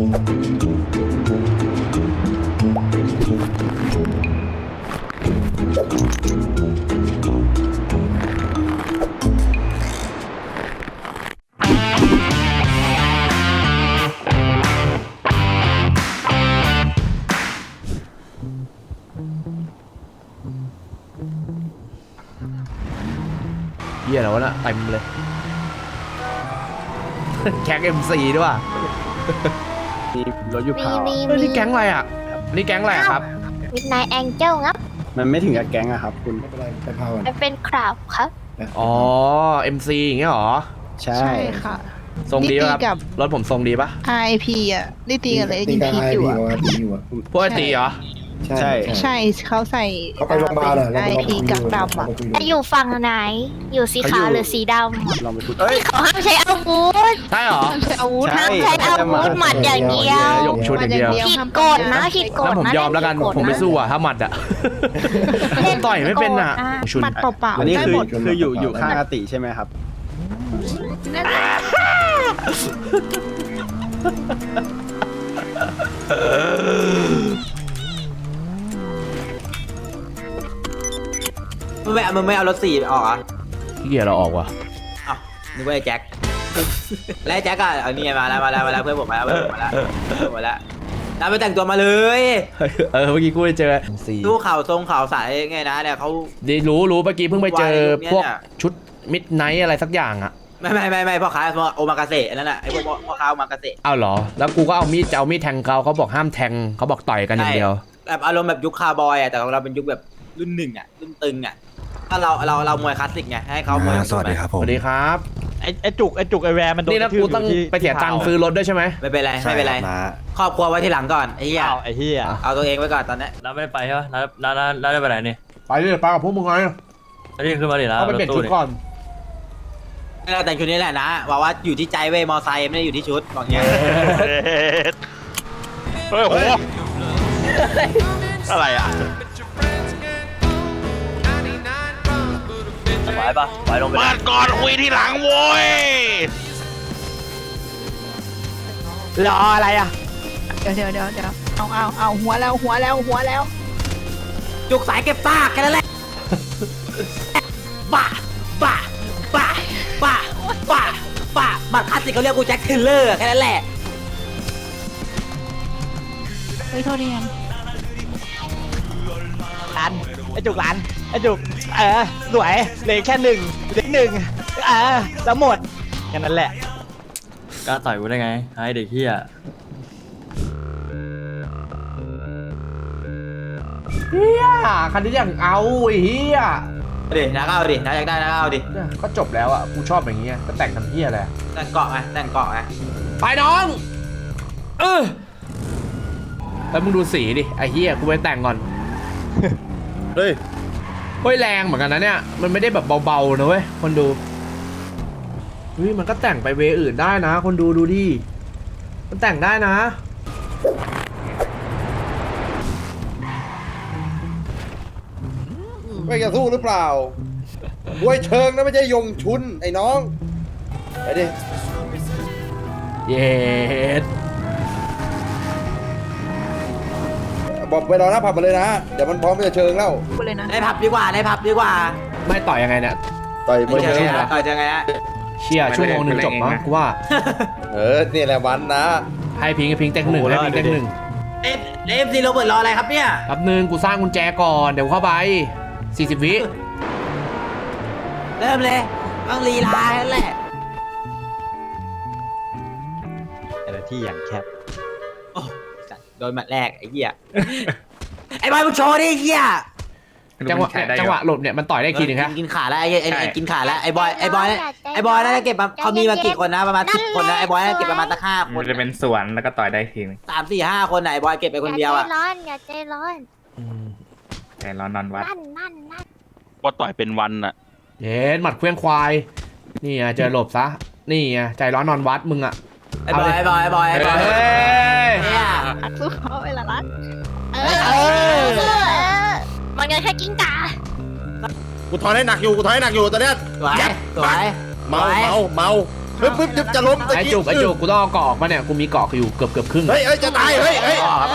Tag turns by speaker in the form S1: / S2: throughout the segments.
S1: เหี้ยแล้วนะเต็มเลยแก๊ง MC ด้วยว่ะ
S2: มีรถยูพาว
S1: นี่แก๊งอะไรอ่ะนี่แก๊งอะไรครับ
S3: มิดไนท์แองเจิลครับ
S2: มันไม่ถึงกับแก๊งอะครับคุณ
S4: ไม่เป็นไรไปพาวัน
S3: มันเป็นคราบครับ
S1: อ๋อ MC อย่างเงี้ยหรอ
S2: ใช่
S5: ใช่ค่ะ
S1: ทรงดีป่ะค
S5: นี่ตีกั
S1: รับบ รถผมทรงดีป่ะ
S5: RIP อ่ะได้ตีกันเลย
S4: ตี
S5: ยิง
S4: กัน
S5: พี
S4: ไอ
S5: อยู่
S4: พี
S5: อ่ะ
S4: ว่าตีอยู่อ่ะ
S1: พวกไอตีเหรอ
S2: ใช่
S5: ใช่เขาใส่
S4: เขาไปโรงพยาบาลอ่ะ
S5: ไอพีกักดำอ่ะ
S3: จะอยู่ฝั่งไหน อยู่สีขาวหรือสีด
S2: ลองไปพูด
S3: ำเขาห้ามใช้อาวุธ
S1: ใช่เหรอ
S5: ใช้อาวุธ
S2: ใช่
S3: ห้ามใช้อาวุธหมัดอย่างเดียว
S1: หยกชุดอย่างเดียว
S3: ผิดกฎนะผิดกฎ
S1: แล้วผม
S3: นะ
S1: ยอมแล้วกัน
S3: ผิดฎะ
S1: ผมไม่สู้อ่ะถ้าหมัดอ่ะผมต่อยไม่เป็นอ่ะชุน
S5: หมัดเปล่า
S2: อัน
S5: ๆ
S2: นี้
S5: ได้
S2: คือ
S5: หมด
S2: คืออยู่ข้างอาติใช่ไหมครับ
S6: มึงไม่เอารถสี่ออกอ่ะ
S1: ขี้เกียจเราออกว่ะ
S6: อ้าวนึกว่าไอ้แจ็ค แล้วไอ้แจ็คอ่ะเอานี่มาแล้วเพื่อนผมมาแล้วตามไปแต่งตัวมาเลย
S1: เมื่อกี้กูไปเจอ MC
S6: ดูข่าวทรงข่าวสายไงนะเนี่ยเขา
S1: ดีรู้เมื่อกี้เพิ่งไปเจอ
S6: วาย
S1: พวก
S6: เนี่ย
S1: ชุดมิดไนท์อะไรสักอย่างอ่ะ
S6: ไม่พ่อค้าโอมากาเสะนั่นแหละไอ้พวกพ่อค้าโอมากาเสะ
S1: อ้าวเหรอแล้วกูก็เอามีดจะเอามีดแทงเขาบอกห้ามแทงเขาบอกต่อยกันอย่างเดียว
S6: แบบอารมณ์แบบยุคคาร์บอยอ่ะแต่ของเราเป็นยุคแบบรุ่นหนึ่งอ่ะรุ่นตึงอ่ะถ้าเรามวยคลาสสิกไงให้เขามวย
S7: สวัสดีครับ
S1: ส
S7: ผม
S1: วัสดีครับ
S8: ไอจุกไอแวร์มันโดน
S1: นี่นะกูต้องไปเสียตังค์ซื้อรถด้วยใช่ไหม
S6: ไม่เป็นไร
S7: ใช่
S6: ไม่เป็นไร
S7: ครับ
S6: ครอบครัวไว้ทีหลังก่อนไอ้เหี้ย
S8: อ้าวไอเฮีย
S6: เอาตัวเองไว้ก่อนตอนนี้
S8: น้าไม่ได้ไปใช่ปะน้าได้ไปไหนนี่
S1: ไปเลยไปกับพวกมึงไง
S8: อันนี้ขึ้นมาดินะ
S1: เขาไปเปลี่ยนชุดก่อน
S6: เราแต่งชุดนี้แหละนะว่าอยู่ที่ใจเว้ยมอไซค์ไม่ได้อยู่ที่ชุดบอกเงี้ย
S9: เฮ้ยโหอะไรอ่ะ
S8: ไปปะไปลงไป
S9: มาก่อนคุยที่หลังโว้ย
S8: รออะไรอ่ะ
S5: เดี๋ยวเอาหัวแล้ว
S6: จุกสายเก็บซากแค่นั้นแหละบ้าบัตรคลาสสิกเขาเรียกกูแจ็คเทเลอร์แค่นั้นแหละ
S5: เฮ้ยโทษทีครับ
S8: ร้านไอจุกร้านไอจุกสวยเหลือแค่หนึ่งแล้วหมดแค่นั้นแหละกล้าต่อยกูได้ไงไอเด็กเฮีย
S1: เฮียคันนี้อย่างเอาไอ้เฮีย
S6: ดินะก็เอาดินะอยากได้นะก็เอาดิ
S1: เนี่ยก็จบแล้วอ่ะกูชอบอย่างเงี้ยก็แต่งทำเฮียอะไร
S6: แต่งเกาะไง
S1: ไปน้องแล้วมึงดูสีดิไอ้เฮียกูไปแต่งก่อน
S2: เฮ้ย
S1: เฮ้ยแรงเหมือนกันนะเนี่ยมันไม่ได้แบบเบาๆนะเว้ยคนดูเฮ้ยมันก็แต่งไปเวอื่นได้นะคนดูดูดิมันแต่งได้นะ
S4: ไม่จะสู้หรือเปล่าบวยเชิงนะไม่ใช่ยงชุนไอ้น้องไปดิ
S1: เย็ด
S4: บอกไปรอหน้าผับมาเลยนะเดี๋ยวมันพร้อมจะเชิงแล้ว
S5: ไปเลยนะ
S6: ในผับดีกว่า
S1: ไม่ต่อยยังไงเนี่ย
S4: ต่อยมวยเชิง
S6: ต่อยยังไงฮะ
S1: เชี่ยชั่วโมงหนึ่งจบมั้งกูว่า
S4: นี่แหละวันนะ
S1: ให้พิงเต็งหนึ่งให้พิงเต็งหนึ่ง
S6: เอฟซีโรเบิร์ตรออะไรครับเนี่ย
S1: แป๊บนึงกูสร้างกุญแจก่อนเดี๋ยวเข้าไป40 วิ
S6: เริ่มเลยต้องลีลาแล้วแหละ
S8: แต่ละที่อย่างแคบ
S6: โอ้สัตว์โดนหมัดแรกไอ้เหี้ย ไอ้บอยมึงโชว์ดิไอ้เหี้ย
S1: จังหวะหลบเนี่ยมันต่อยได้ทีหนึงครับ
S6: กินขาแล้วไอ้กินขาแล้วไอ้บอยน่าจะเก็บมาเขามีมากี่คนนะประมาณ10 คนนะไอ้บอยน่าจะเก็บประมาณสัก5 คน
S9: มันจะเป็นสวนแล้วก็ต่อยได้ทีนึง
S6: 3 4 5 คนไหนบอยเก็บไปคนเดียวอ่ะ
S3: อย่าใจร้อน
S9: แต่รอนอนวัด
S3: นั่น
S9: ว่าต่อยเป็นวันอ่ะ
S1: เย็นหมัดเคลื่องควายนี่ไงเจอหลบซะนี่ไงใจร้อนนอนวัดมึงอะ
S6: ไอ้บอย
S1: เฮ้ย
S6: เนี่ย
S5: สู้เขาเวลารัด
S3: มันยังแค่กิ้งก่า
S4: กูถอนให้หนักอยู่ตอนเนี้ย
S6: สวย
S4: เมาปึ๊บจะล้ม
S1: ไอ้จุกกูต้องเอาเกาะออกมาเนี่ยกูมีเกาะอยู่เกือบครึ่ง
S4: เฮ้ยจะตายเฮ้ย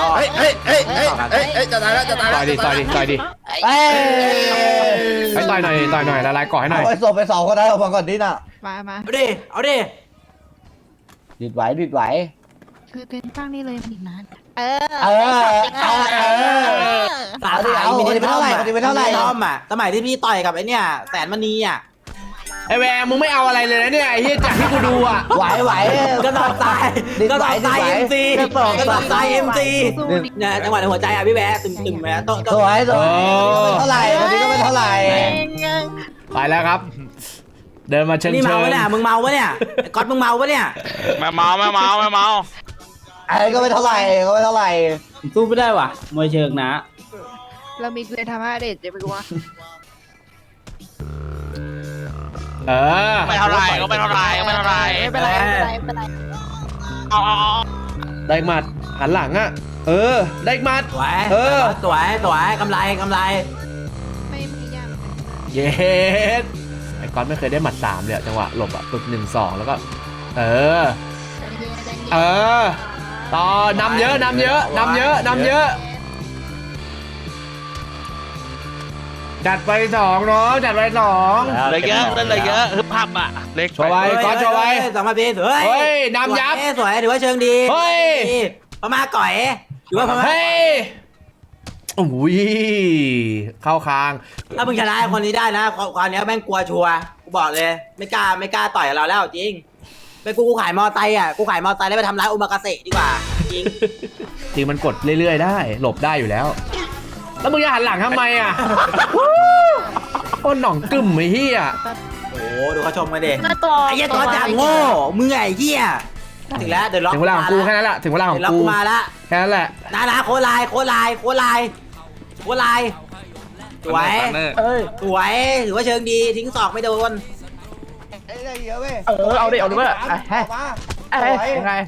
S4: จะตายแล้วจะตาย
S1: ต่
S4: แล้
S1: อยว ดิต่อยดิต่อยดิ
S8: เอ้ย
S1: ให้ต่อยหน่อยละลายเกาะให้หน่อย
S8: เอาไปส่งไป2คนนั้นออกมาก่อนดิน่ะ
S5: มา
S6: เอาดิเอาดิ
S8: ดิดไหวดิดไหว
S5: คือเป็นข้างนี้เลยมันอีกนาน
S8: เออ
S6: สา
S8: เอาดิ
S6: ขาย
S8: เอา
S6: มินิ
S8: เอาดิเป็นเท่าไหร่
S6: มอม
S8: เอาดิเป็นเท่าไหร่
S6: มินิมอมอ่ะสมัยที่พี่ต่อยกับไอ้เนี่ยแสนมณีอ่ะ
S1: ไอ้แวร์มึงไม่เอาอะไรเลยนะเนี่ยไอ้เหี้ยจากที่กูดูอ่ะ
S8: ไหว
S6: ก็ตอบตาย
S8: ดิด
S6: ก็
S8: ไหว
S6: ตอบ
S8: ดิด
S6: ตาย
S8: ไหว
S6: เอ็มซี
S8: ก็ตอบ
S6: ก็ตอบตายเอ็มซี
S5: สู้ดิ
S6: เนี่ยจังหวะในหัวใจอ่ะพี่แวร์ตึมๆแหมโต๊ะ
S8: สวยเป็นเท่าไหร่วันนี้ก็เป็นเท่าไหร่
S1: ไปแล้วครับ เดินมาเชิง
S6: นี่
S1: เชิ
S6: เมาง ปะเนี่ยมึงเมาปะเนี่ยไอ้ก๊อตมึงเมาปะเนี่ย
S9: ไม่เมา
S8: ไอ้ก็เป็นเท่าไหร่ก็เป็นเท่าไหร่
S6: สู้ไม่ได้ว่ะมวยเชิงนะ
S5: เรามีเกลือทำให้เด็ดจะไปกลัว
S1: เออ
S9: ไม่เท่าไรก็ไม่เท่าไร
S5: ไม่เป็นไรไม่เป็นไร
S9: เอา
S1: ได้หมัดหันหลังอ่ะเออได้หมัด
S6: สวย
S1: เออ
S6: สวยกำไร
S5: ไม่ยาก
S1: เย็ดไอ้ก๊อตไม่เคยได้หมัด3เลยอะจังหวะหลบอ่ะปึ๊บ1-2แล้วก็เออต่อนำเยอะจัดไป2น้องจัดไป2
S9: เลยเยอะเลยเยอะฮึบพับอ่ะเล็ก
S1: โชว์ไว้ก๊อตโชว์ไว้
S6: สองมาพี่เฮ้ย
S1: เฮ้ยนำยับ
S6: สวยถือว่าเชิงดี
S1: เฮ้ย
S6: พม่าก่อยถือว่าพม่า
S1: เฮ้ยอุ้ยเข้าคาง
S6: ถ้ามึงชนะคนนี้ได้นะความนี้แม่งกลัวชัวร์กูบอกเลยไม่กล้าต่อยกับเราแล้วจริงไปกูขายมอไซค์อ่ะกูขายมอไซค์แล้วไปทำร้ายอุมากาเสะดีกว่าจริง
S1: จริงมันกดเรื่อยๆได้หลบได้อยู่แล้ว แล้วมึงจะหันหลังทำไมอ่ะโคนหน่องกึ่มไอ้เหี้ย
S6: โอ้ดูเขาชมกันดิ
S3: ตัว
S6: ไอ้เหี้ยตัวจังโง่มึงไอ้เหี้ยถึงแล้วเดี๋ยวล็อก
S1: ถึงเวลาของกูแค่นั้นแหละถึงเวลาของ
S6: เดี๋ยวล็อก
S1: กู
S6: กูมาละ
S1: แค่นั้นแหละ
S6: นะโคลายสวยสวยถือว่าเชิงดีทิ้งศอกไม่โดน
S8: ไอ้ได้เยอะเว้ย
S2: เอาดิเว้ย
S8: ยังไง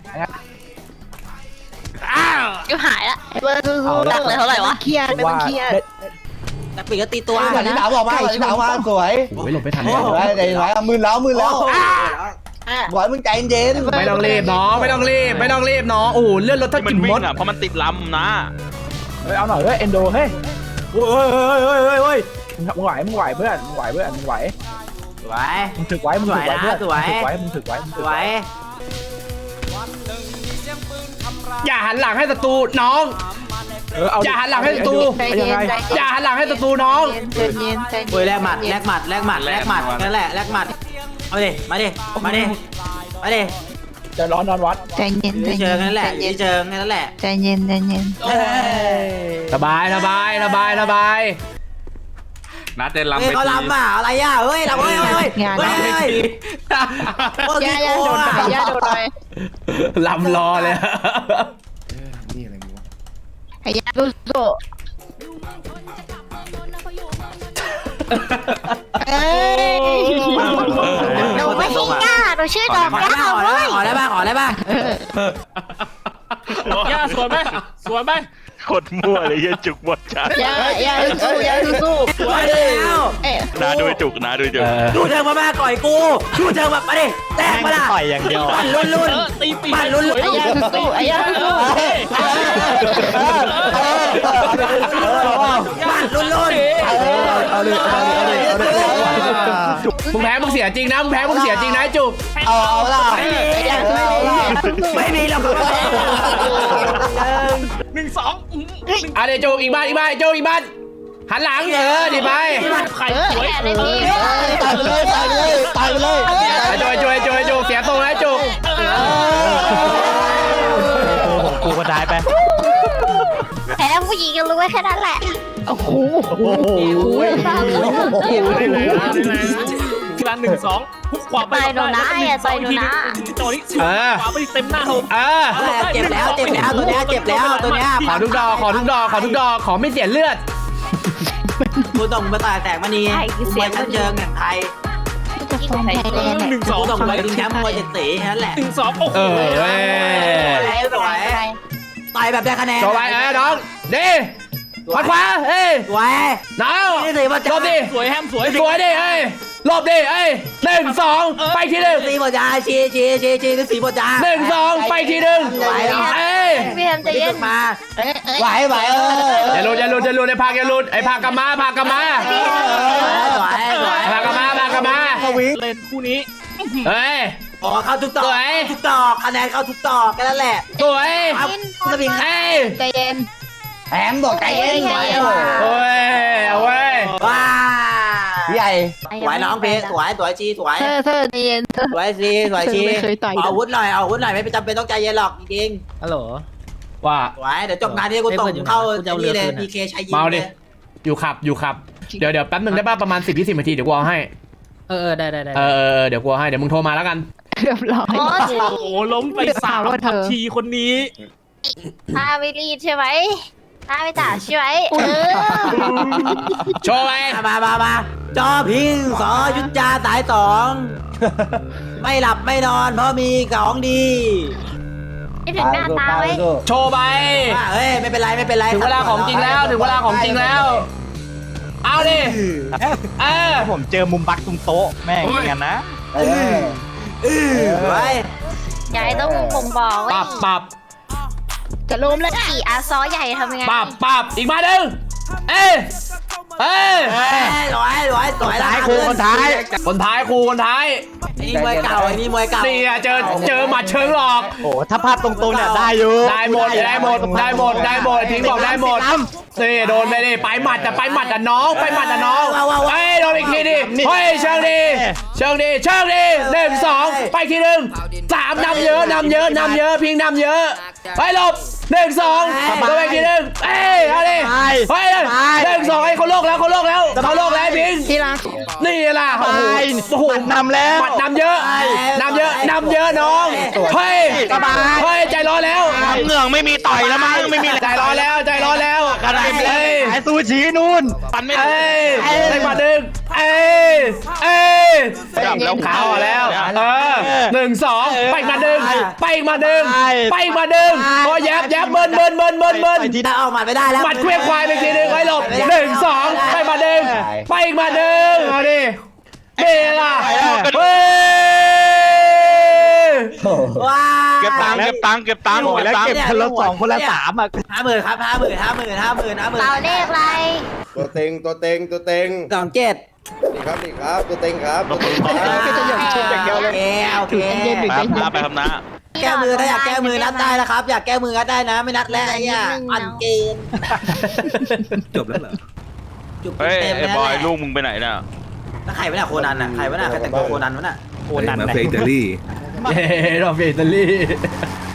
S3: อยู่หายละเบอร์สู้ๆดังเลยเท่าไหร่วะ
S5: เครียดไม่ต้องเครียด
S6: แต่ปีกก็ตีตัว
S8: ก่อนที่สาวบอกมาก่อนที่สาวมาสวย
S1: โอ้ยหลบไม่ทัน
S8: สวยใจไหวมือแล้วบอยมึงใจเย็น
S1: ไม่ต้องรีบน้องไม่ต้องรีบน้องโอ้โหเลื่อนรถถ้า
S9: มัน
S1: กิน
S9: วิ่
S1: ม
S9: ง
S1: ด
S9: อ่ะเพราะมันติดลำนะ
S8: เอาหน่อยเฮ้ยเอ็นโดเฮ้ย
S6: เฮ้ย
S8: มึงไหวเพื่อนมึงไหว
S6: สวย
S8: มึงถึกไว้มึงถึกไว้เพื่อน
S6: สวย
S8: มึงถึกไว้
S6: สวย
S1: อย่าหันหลังให้ศัตรูน้องอย่าหันหลังให้ศัตรู
S5: ใจเย็นใจ
S1: อย่าหันหลังให้ศัตรูน้อง
S5: ใจเย็นใจ
S6: เฮ้ย
S5: เย็น
S6: แลกหมัดนั่นแหละแลกหมัดเอาดิมาดิ
S8: จะร้อนนอนวัด
S5: ใจเย็น
S6: ยืนเชิงนั่นแหละยืนเชิงนั่นแหละ
S5: ใจเย็น
S1: สบาย
S9: นัดเดินลำ
S6: เฮ้ยเขาลำอ่ะอะไรอ่ะเฮ้ยลำเฮ้ย
S5: งาน ย่าโดนหน่อยย่าโดนหน่อย
S1: ลำรอเลย
S5: ไอ้ย่าสู้เอ้ย
S3: หนูไม่ใช่ย่าหนูชื่อดอกย่าเว้ย
S6: ขอได้ป่ะ
S9: ย่าสวยไหมกดมั่วเลยยันจุกหมดจ้า
S5: ย่าสู้
S6: มาดิแล้ว
S5: เอ๊ะ
S9: นาดูจุก
S6: ดูเชิงมาก่อยกูดูเชิงแบบมาดิแตกมาละ
S8: ต่อยอย่างเดียว
S6: ปั่นรุ่นปั่นรุ่น
S5: ไอ้ย่าสู้ไอ้ย่าสู้
S6: ปั่นรุ่น
S8: เอาเลย
S1: มึงแพ้มึงเสียจริงนะไอ้จุก
S8: เอาล่ะ
S5: ไอ้ย่าสู้
S6: ไม่มีหรอก
S1: อ่ะเดี๋ยวจุกอีกบ้านจุกอีกบ้านหันหลังดิไป
S3: แค่ได้พี่
S8: ตายไปเลย
S1: จุกเสียตรงนะจุก
S8: กูก็ได้ไป
S3: แพ้ผู้หญิงก็รู้ไว้แค่นั้นแหละ
S5: โอ้โห
S8: ร้าน1-2 ขวาไป
S3: ต่อยหนูนะอย่าต่อยหนูนะ
S8: ต่อนี้ขวาไปเต็มหน้าผม
S6: เจ็บแล้วตัวเนี้ยเจ็บแล้วตัวเนี้ย
S1: ขอทุกดอกขอไม่เสียเลือด
S6: กูต้องมาต่อยแตกมานีเสียชั้นเชิงอย่างไทย
S5: จะฟ้องไทยแลนด์
S6: กูต้องไปดึงแชมป์มวย7 สีนั่นแหละ
S8: 1-2 โอ้โห
S1: เว้ย
S6: สวยต่อยแบบได้คะแนน
S1: จบไปน้องดิ
S6: ส
S1: ขวาเอ้ย
S6: สวย
S1: หนาว
S6: นี่สิพ่อ
S1: หล
S6: จ้า
S1: บดิ
S9: สวยแฮมสวย
S1: สวยดิเอ้ยหลบดิเอ้ย1 2ไปทีหนึ่ง
S6: สีพ่อจ้าชีนี่สีพ่อจ้า
S1: 1 2ไปทีหนึ่งเอ้ย
S3: พี่แฮมใจเย็น
S6: มา
S5: ไหวเออ
S1: อย่าหลุดไอ้พากอย่าหลุดไอ้พากกลับมาพากกลับมา
S6: สวย
S1: พากกลับมา
S9: เล่นคู่นี้
S1: เฮ้ย
S6: อ๋อเข้าทุกตอก
S1: สวย
S6: ทุกตอกคะแนนเข้าทุกตอกแค่นั้นแหละ
S1: สวย
S6: ครับสวิง
S1: เอ้ย
S5: ใจเย็น
S6: แถมบอกใจเย็น
S1: โอ้ยเอาเว้ย
S6: ว้า
S8: ใหญ่
S6: สวยน้องเพชรสวยชีสวย
S5: เธอใจเย็นเธอ
S6: สวยชี
S5: ไม่เคยต่อย
S6: เอาอาวุธหน่อยไม่จำเป็นต้องใจเย็นหรอกจริง
S8: ฮัลโหล
S1: ว่า
S6: ๆสวยเดี๋ยวจบงานนี้กูส่งเข้านี่เลย PK ชัยยิง
S1: เมาดิ
S6: เลย
S1: อยู่ขับเดี๋ยวแป๊บนึงได้ป่ะประมาณ10-20 นาทีเดี๋ยวกูเอาให้
S8: ได้
S1: เดี๋ยวกูเอาให้เดี๋ยวมึงโทรมาแล้วกัน
S5: เรียบร้อย
S3: โอ้
S9: โอ้โหล้มไปสาม
S5: ว่าเธอ
S9: ผักชีคนนี้
S3: ถ้าไม่รีดใช่ไหมถ้าไม่จ่าใช่ไหม
S1: โชว์ไป
S6: มาจอพิงสอยุทธยาสายสองไม่หลับไม่นอนเพราะมีของดี
S3: ไม่ถึงหน้าตาไว้
S1: โชว์ไป
S6: ว่าเฮ้ยไม่เป็นไร
S1: ถึงเวลาของจริงแล้วเอาดิ
S8: ผมเจอมุมบักตรงโต๊ะแม่งเหมือนกันนะ
S6: ไว้
S3: ใหญ่ต้องบ่งบอกว่า
S1: ปรับ
S5: จะล้มแล้ว
S3: ขี่อาซอใหญ่ทำยังไง
S1: ปรับอีกมาหนึ่งเอ้ย
S6: สวย
S8: ท้ายครูคนท้าย
S1: คนท้าย
S6: นี่มวยเก่า
S1: นี่เจอหมัดเชิงหลอก
S8: โอ้ถ้าพลาดตรงๆเนี่ยได้อยู่
S1: ได้หมดทิ้งบอกได้หมดนี่โดนไปดิไปหมัดแต่น้องเฮ้ยโดนอีกทีดิเฮ้ยเชิงดี1 2ไปทีหนึ่ง3นำเยอะพิงนำเยอะไปหลบ1 2ก็ไปทีหนึ่งเอ้ยเอาดิเฮ้ย1 2ให้เขาโลกแล้วพิง
S5: ที่รัก
S1: นี่ล่ะโอ้โห
S8: นำแล้ว
S1: หมัดนำเยอะน้องเฮ้ยใจร้อนแล้ว
S9: เหงื่อไม่มีต่อยแล้วมั้งไม่มี
S1: ใจร้อนแล้ว
S9: อะไร
S1: เอ้ย
S8: ไอ้ซูชินู่น
S9: ปันไม่
S1: เอ้ยได้มาดึงเอ้ย
S9: จับแล้ว
S1: ขาวแล้ว1 2ไปมาดึงพอแยบเบิ้ล
S6: ที่ได้ออกมาไม่ได้แล้ว
S1: หมัดเคลื่อนควายไปทีนึงไว้หลบ1 2ไปมาดึงเอาดิเบล่ะเฮ้ย
S6: ว้า
S9: เก็บตังค์
S8: โอ้แล้วเก็บคนละ2คนละ3อ่ะ
S6: 50,000ครับ50,000
S3: เราเลขอะไร
S4: ตัวเต็ง
S6: 27
S4: นี่ครับตัวเต็งครับตัวเต็งครับ
S5: ก็จะหย่อนชุดอย่างเดียวเลย
S6: โอเค
S5: เย็นๆหรือใจเย็น
S9: ไปครับนะ
S6: แก้มือถ้าอยากแก้มือนัดได้นะครับ อยากแก้มือนัดได้นะ ไม่นัดแล้วไอ้เนี่ยอันเกณฑ์
S2: จบแล้วเหรอ
S6: จุก
S9: เฮ้ย
S6: เต็ม
S9: ไอ้
S6: แล้ว
S9: บอยลูกมึงไปไหนน่ะ
S6: แล้วใครวะเนี่ยโคนันน่ะใครวะเนี่ยใครแต่งตัวโคนันวะน่ะ
S8: โอ้นั่น
S2: มา
S8: แหละ
S2: เฟอิตาลี
S1: เราเฟอิตาลี